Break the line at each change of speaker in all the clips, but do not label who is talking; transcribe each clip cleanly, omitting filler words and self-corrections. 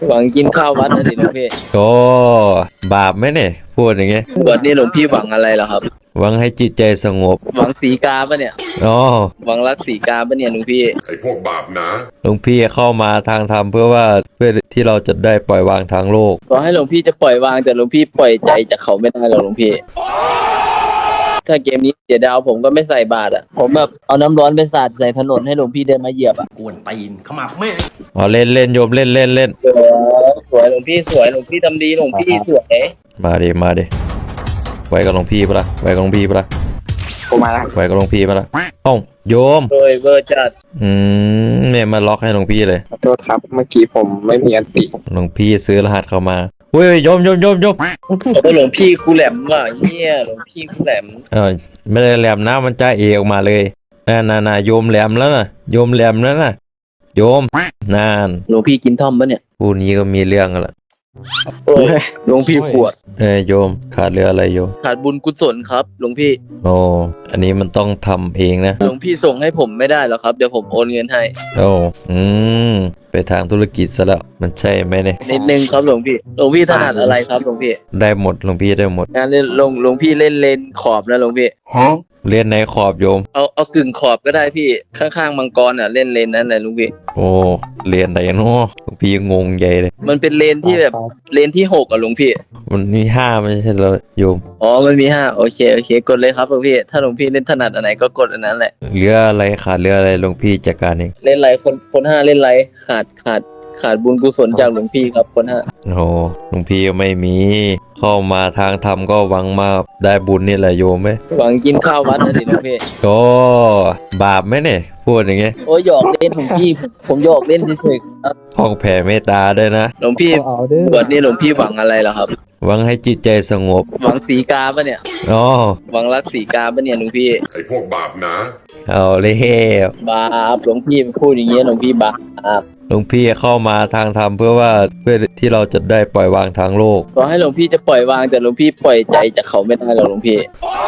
หวังกินข้าววัดนะสิหลวงพี่
โอ้บาปไหมเนี่ยพูดอย่างเงี้ย
บวชนี่หลวงพี่หวังอะไรเหรอครับ
หวังให้จิตใจสงบ
หวังสีกาปะเนี่ย
อ๋อ
หวังรักสีกาปะเนี่ยหลวงพี่
ไอ้พวกบาปนะ
หลวงพี่เข้ามาทางธรรมเพื่อที่เราจะได้ปล่อยวางทางโลก
ขอให้หลวงพี่จะปล่อยวางแต่หลวงพี่ปล่อยใจจากเขาไม่ได้หรอกหลวงพี่ถ้าเกมนี้เสียดาวผมก็ไม่ใส่บาตรอ่ะผมแบบเอาน้ำร้อนไปสาดใส่ถนนให้หลวงพี่เดินมาเหยียบอ่ะ
กวนตีนเข้ามาแม่
อ๋อเล่นเล่นโยมเล่นเล่นเล่น
สวยหลวงพี่สวยหลวงพี่ทำดีหลวงพี่สวย
มาดิไว้กับหลวงพี่ปะล่ะไว้กับหลวงพี่ปะล่ะ
ผมมาแล้ว
ไว้กับหลวงพี่ปะล่ะเอ้าโยม
โดยเวอร์จัด
เนี่ยมาล็อกให้หลวงพี่เลย
ขอโทษครับเมื่อกี้ผมไม่มีอันติ
หลวงพี่ซื้อรหัสเข้ามาเว้ยโยม
โอ้หลวงพี่กูแหลมว่ะเนี่ยหลวงพี่กูแหลม
ไม่ได้แหลมนะมันจ่าเอออกมาเลยน่าโยมแหลมแล้วนะโยมแหลมแล้วนะโยมนาน
หลวงพี่กินท่อมปะเนี่ย
ผู้นี้ก็มีเรื่องกันละ
หลวงพี่ปวด
โยมขาดเรืออะไรโยม
ขาดบุญกุศลครับหลวงพี่
โอ้อันนี้มันต้องทำเองนะ
หลวงพี่ส่งให้ผมไม่ได้หรอครับเดี๋ยวผมโอนเงินให้
โอ้ไปทางธุรกิจซะแล้วมันใช่ไหมเนี่ย
นิดนึงครับหลวงพี่ถนัดอะไรครับหลวงพี่
ได้หมดหลวงพี่ได้หมด
งานเล่นหลวงพี่เล่นเลนขอบนะหลวงพี่
เล่นในขอบโยม
เอากึ่งขอบก็ได้พี่ข้างๆมังกรอ่ะเล่นเลนนั้นแหละหลวงพี่
โอ้เรียนไหนเนาะหลวงพี่งงใหญ่เลย
มันเป็นเลนที่แบบเลนที่6อ่ะหลวงพี่
มันมี5ไม่ใช่เหรอโยม
อ๋อมันมี5โอเคกดเลยครับหลวงพี่ถ้าหลวงพี่เล่นถนัดอันไหนก็กดอันนั้นแหละ
เรืออะไรขาดเรืออะไรหลวงพี่จัดการเอง
เล่นไรคน5เล่นไรขาดบุญกุศลจากหลวงพี่ครับคน5
โอ้หลวงพี่ไม่มีเข้ามาทางธรรมก็หวังมาได้บุญนี่แหละโยมไหม
หวังกินข้าววัดนะสิหลวงพี่
โอ้บาปไหมเนี่ยพูดอย่างเงี้ย
โอ้หยอกเล่นหลวงพี่ผมหยอกเล่นเฉยๆครับ
ห้องแผ่เมตตาด้วยนะ
หลวงพี่บวชนี่หลวงพี่หวังอะไรเหรอครับ
หวังให้จิตใจสงบ
หวังสีกาปะเนี่ย
อ๋อ
หวังรักสีกาปะเนี่ยหลวงพี่
ไอ้พวกบาปนะ
เอาเลย
บาปหลวงพี่พูดอย่างเงี้ยหลวงพี่บาป
หลวงพี่เข้ามาทางธรรมเพื่อที่เราจะได้ปล่อยวางทางโลก
ขอให้หลวงพี่จะปล่อยวางแต่หลวงพี่ปล่อยใจจากเขาไม่ได้หรอกหลวงพี่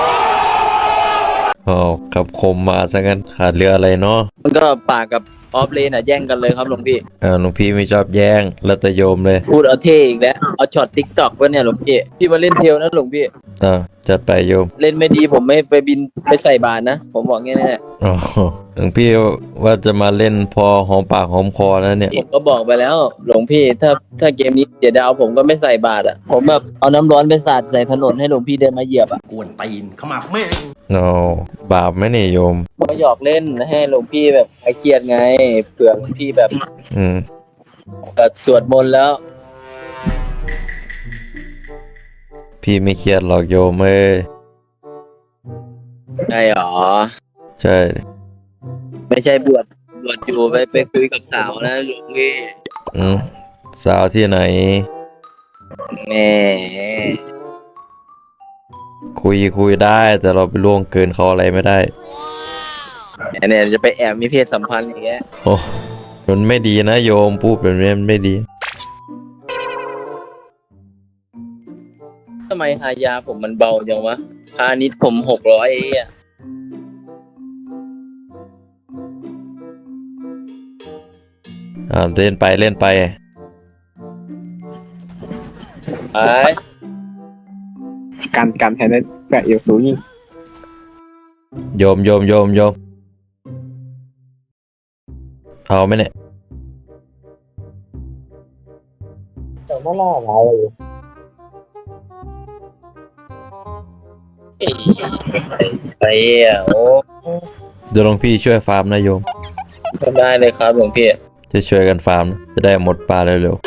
อ๋อกับคมมาซะงั้นขาดเรืออะไรเนาะ
มันก็ปากกับออฟเลนแย่งกันเลยครับหลวงพี่
หลวงพี่ไม่ชอบแย่งแล้วแต่โยมเลย
พูดเอาเท่อีกแล้วเอาช็อตติ๊กต็อกวะเนี่ยหลวงพี่มาเล่นเทลนะหลวงพี่
จัดไปโยม
เล่นไม่ดีผมไม่ไปบินไปใส่บาตรนะผมบอกงี้แน่
อ๋อหลวงพี่ว่าจะมาเล่นพอหอมปากหอมคอแล้วเนี่ย
ผมก็บอกไปแล้วหลวงพี่ถ้าเกมนี้เสียดาวผมก็ไม่ใส่บาตรอ่ะผมแบบเอาน้ำร้อนไปสาดใส่ถนนให้หลวงพี่เดินมาเหยียบอ่ะ
กวนตีนเข้ามาแม่
โอ้บาปไหมเนี่ยโยม
ก็หยอกเล่นให้หลวงพี่แบบคลายเครียดไงเผื่อหลวงพี่แบบก็สวดมนต์แล้ว
พี่ไม่เครียดหรอกโยมเอ้ย
ใช่หรอ
ใช่
ไม่ใช่บวชอยู่ไปคุยกับสาวนะหลวงพี่
สาวที่ไหน
แหม
คุยได้แต่เราไปล่วงเกินเขาอะไรไม่ได้
เนี่ยจะไปแอบมีเพศสัมพันธ์อย่างเงี้ย
โอ้มันไม่ดีนะโยมพูดแบบนี้มันไม่ดี
ทำไมหายาผมมันเบาจังวะพาณิชย์ผม600อ่ะ
เล่นไปไป
การแทนได้แปะเอวสูงยิ่ง
โยมเอาไหมเนี่ย
แต่ไม่น่าอะไรไปอ่ะโอ้
เดี๋ยวหลวงพี่ช่วยฟาร์มนะโยม
ได้เลยครับหลวงพี่
จะช่วยกันฟาร์มจะได้หมดปลาเร็ว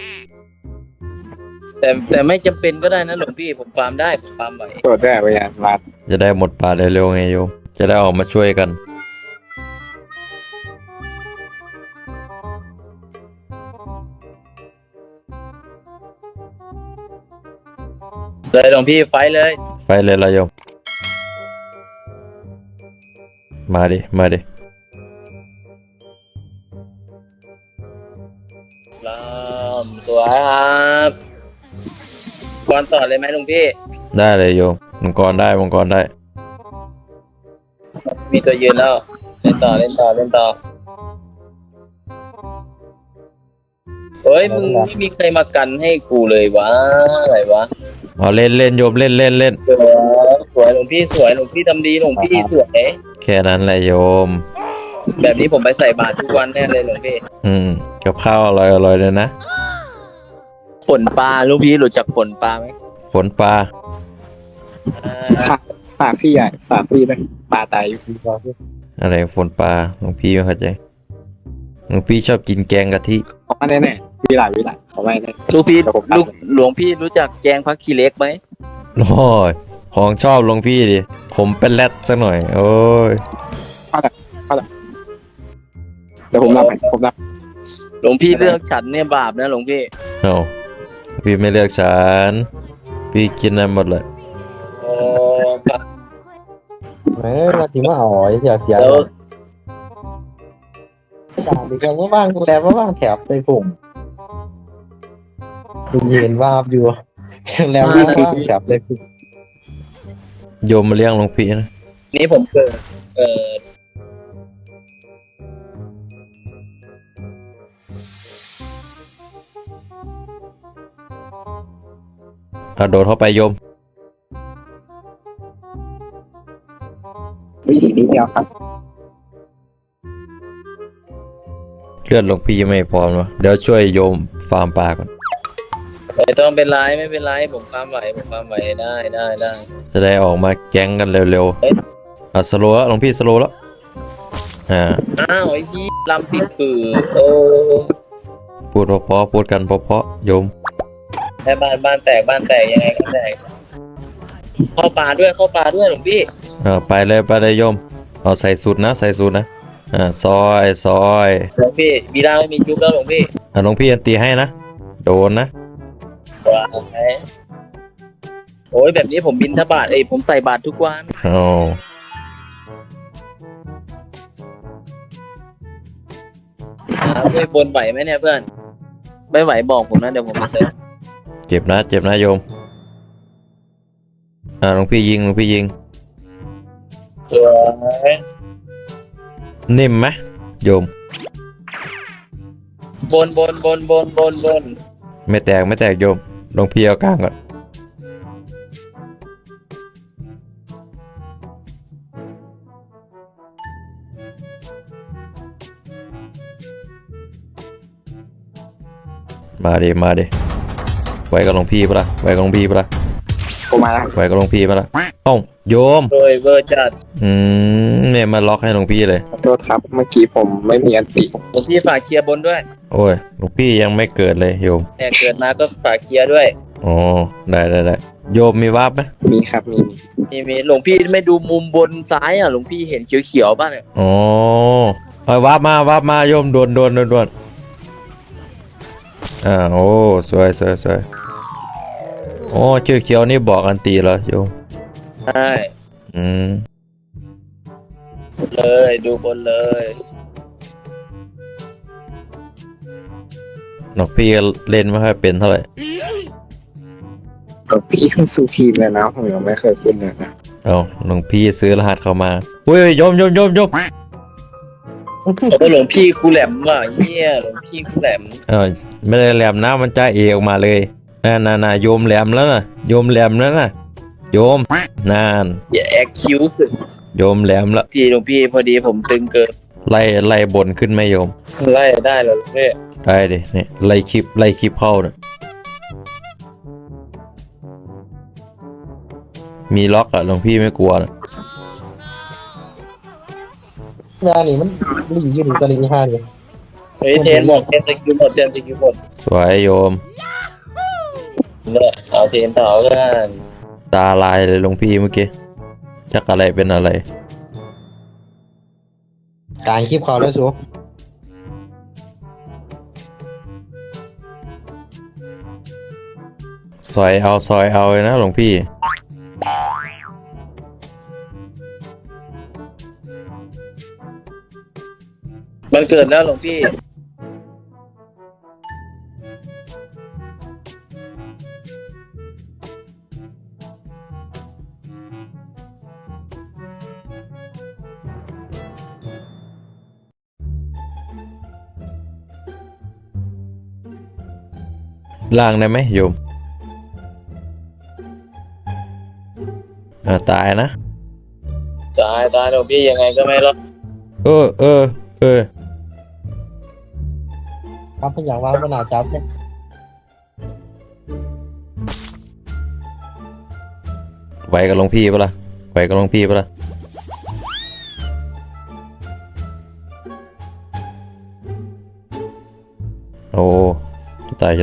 ๆแต่ไม่จำเป็นก็ได้นะหลวงพี่ผมฟาร์มได้ผมฟาร์มไหว
ตัวได้ไปยังรัด
จะได้หมดปลาเร็วๆไงโยมจะได้ออกมาช่วยกัน
เลยหลวงพี่ไฟเลย
ละโยมมาดิ
สวยครับบอลต่อเลยไหมหลวงพี่
ได้เลยโยมมังกรได้
มีตัวยืนแล้วเล่นต่อเฮ้ยมึงไม่มีใครมากันให้กูเลยวะอะไรวะ
อ๋อเล่นเล่นโยมเล่นเล่นเล่น
สวยหลวงพี่สวยหลวงพี่ทำดีหลวงพี่สวย
แค่นั้นแหละโยม
แบบนี้ผมไปใส่บาตรทุกวันแน่เลยหลวงพี่
กับข้าวอร่อยอร่อยเลยนะ
ฝนปลาหลวงพี่รู้จักฝนปลาไหม
ฝนปลา
ฝากพี่ใหญ่ฝากพี่เลยปลาตายอยู่
อะไรฝนปลาหลวงพี่ไม่เข้าใจหลวงพี่ชอบกินแกงกะทิ
เขาไม่แน่ๆวิไลเขาไม่แน่
ลูกพี่
เดี๋ยวผม
ลูกหลวงพี่รู้จักแกงพักขี้เล็กไหม
โอ้ยของชอบหลวงพี่ดิผมเป็นแรดสักหน่อย โอ้ย
เดี๋ยวผมรับให้ผมรับ
หลวงพี่เลือกฉันเนี่ยบาปนะหลวงพี่
เอาพี่ไม่เลือกฉันพี่กินได้หมดเลย
โอ้ครับ
มาที่มาอ๋อยเสีย
แล้ว
ด่าดีกันว่าบ้างแต่ว่าบ้างแถบใส่ผงเย็นวาบอยู่แล้วว่างแถบใส่ผง
โยมมาเลี้ยงหลวงพี่นะ
นี่ผมเกิด
เอาโดดเข้าไปโยม
วิธีนี้เดียวครับ
เลือดหลวงพี่ยังไม่พร้อมวะเดี๋ยวช่วยโยมฟาร์มปลาก่อน
ไม่ต้องเป็นไรไม่เป็นไรผมความไหวผมความไหวได้
จะได้ออกมาแก๊งกันเร็ว
เอ้ย
ๆสโลว์แล้วหลวงพี่สโลว์แล้วอ่า
อ้าวไอ้ยี่ลำติดคือโอ้
พูดเพราะๆพูดกันเพราะๆโยม
แค่บ้านแตกยังไงก็แตกเข้าป่าด้วยหลวงพี่
ไปเลยโยมเอาใส่สูตรนะซอย
หลวงพี่มีร่างไม่มียุบแล้วหลวงพี่
หลวงพี่อันตีให้นะโดนนะ
ว้ายโอ้ยแบบนี้ผมบินทบาทผมใส่บาททุกวัน
เอา
ช่วยบนไหวไหมเนี่ยเพื่อนไม่ไหวบอกผมนะเดี๋ยวผมจะเติม
เจ็บนะโยมหลวงพี่ยิง
สวย
นิ่มไหมโยม
บน
ไม่แตกโยมหลวงพี่เอากลางก่อนมาดิไว้กับหลวงพี่ปะล่ะ
ผมมาแล้ว
ไว้กับหลวงพี่ปะล่ะเอ้าโยม
โดยเวอร์จัด
เนี่ยมาล็อกให้หลวงพี่เลย
ขอโทษครับเมื่อกี้ผมไม่มีอันติ
หลวงพี่ฝากเคลียร์บนด้วย
โอ้ยหลวงพี่ยังไม่เกิดเลยโยม
เนี่ยเกิดมาก็ฝากเคลียร์ด้วย
อ๋อได้โยมมีวาร์ปไหม
มีครับมี
มีหลวงพี่ไม่ดูมุมบนซ้ายหลวงพี่เห็นเขียวๆป่ะเนี่ย
อ๋อเอาวาร์ปมาโยมด่วนโอ้สวยโอ้ชื่อเขียวนี่บอกอันตีเหรอโยม
ใช่ เลยดูบนเลย
หลวงพี่เล่นไม่ค่อยเป็นเท่าไหร่
พี่ขึ้นสู่ทีมเลยนะผมยังไม่เคยขึ้นเลยนะ
เอาหลวงพี่ซื้อรหัสเข้ามาอุ้ยโยม
โอ้หลวงพี่คูแหลมว่ะเหี้ยหลวงพี่คูแหลม
ไม่ได้แหลมนะมันจะเอออกมาเลยน่าโยมแหลมแล้วนะโยมนาน
อย่าแอคคิวสึ
โยมแหลมละ
ทีหลวงพี่พอดีผมตึงเกิน
ไล่บนขึ้นไหมโยม
ไล่ได้แล้วเนี่ย
ได้ดิเนี่ยไล่คลิปเข้านะมีล็อกอะหลวงพี่ไม่กลัวนะ
งานนี่มันหลีอยู่หรือตะลิงห้าเนี่ย
เฮ้ยเทนบอกเทนสกิลหมด
สวยโยม
เนี่ยเอาเทนต่อกัน
ตาลายเลยหลวงพี่เมื่อกี้จักอะไรเป็นอะไร
กลางคลิปเขาแล้วสู
ซอยเอาเลยนะหลวงพี่
มันเกิดแล้วหลวงพี่
ล่างได้ไหมโยมตายนะ
ตายหลวงพี่ยังไงก็ไม่รอด
เออ
ครับเป็นอย่างว่าขนาดจับเนี่ย
ไหวกับหลวงพี่ปะล่ะไหวกับหลวงพี่ปะล่ะโอ้จะตาย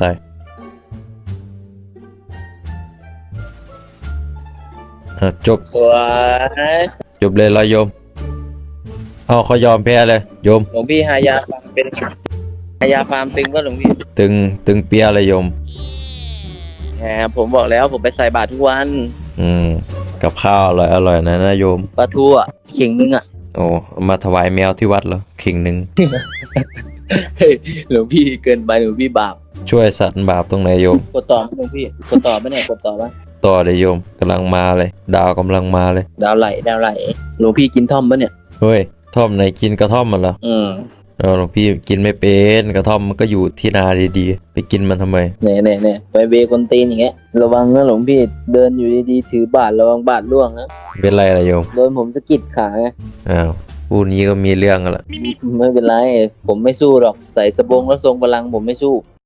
จบ
สวย
จบเลยเหรอโยมเอาเขายอมแพ้เลยโยม
หลวงพี่หายาฟาร์มเป็นหายาฟาร์มตึงก็หลวงพี่
ตึงเปียเลยโยม
แหมผมบอกแล้วผมไปใส่บาตรทุกวัน
กับข้าวอร่อยนะโยม
ปลาทูอ่ะเข่งนึงอ่ะ
โอ้เอามาถวายแมวที่วัดเหรอขิงหนึ่ง
เฮ้ยหลวงพี่เกินไปหลวงพี่บาป
ช่วยสัตว์บาปตรงไหนโยม
กดต่อไหมหลวงพี่กดต่อไหมเนี่ยกดต่อไหม
ต่อเลยโยมกำลังมาเลย ดาวกำลังมาเลย
ดาวไหลหลวงพี่กินท่อมปะเนี่ย
เฮ้ยท่อมไหนกินกระท่อมมันเหรอ หลวงพี่กินไม่เป็นกระท่อมมันก็อยู่ที่นาดีๆไปกินมันทำไม
เนี่ยไปเวคนตีนอย่างเงี้ยระวังนะหลวงพี่เดินอยู่ดีๆถือบาตรระวังบาตรล่วงนะ
เป็นไรล่ะโยม
โดนผมสะกิดขาไง
อ้าวพูดนี้ก็มีเรื่องกันละ
ไม่เป็นไรผมไม่สู้หรอกใส่สบงแล้วทรงพลังผมไม่สู้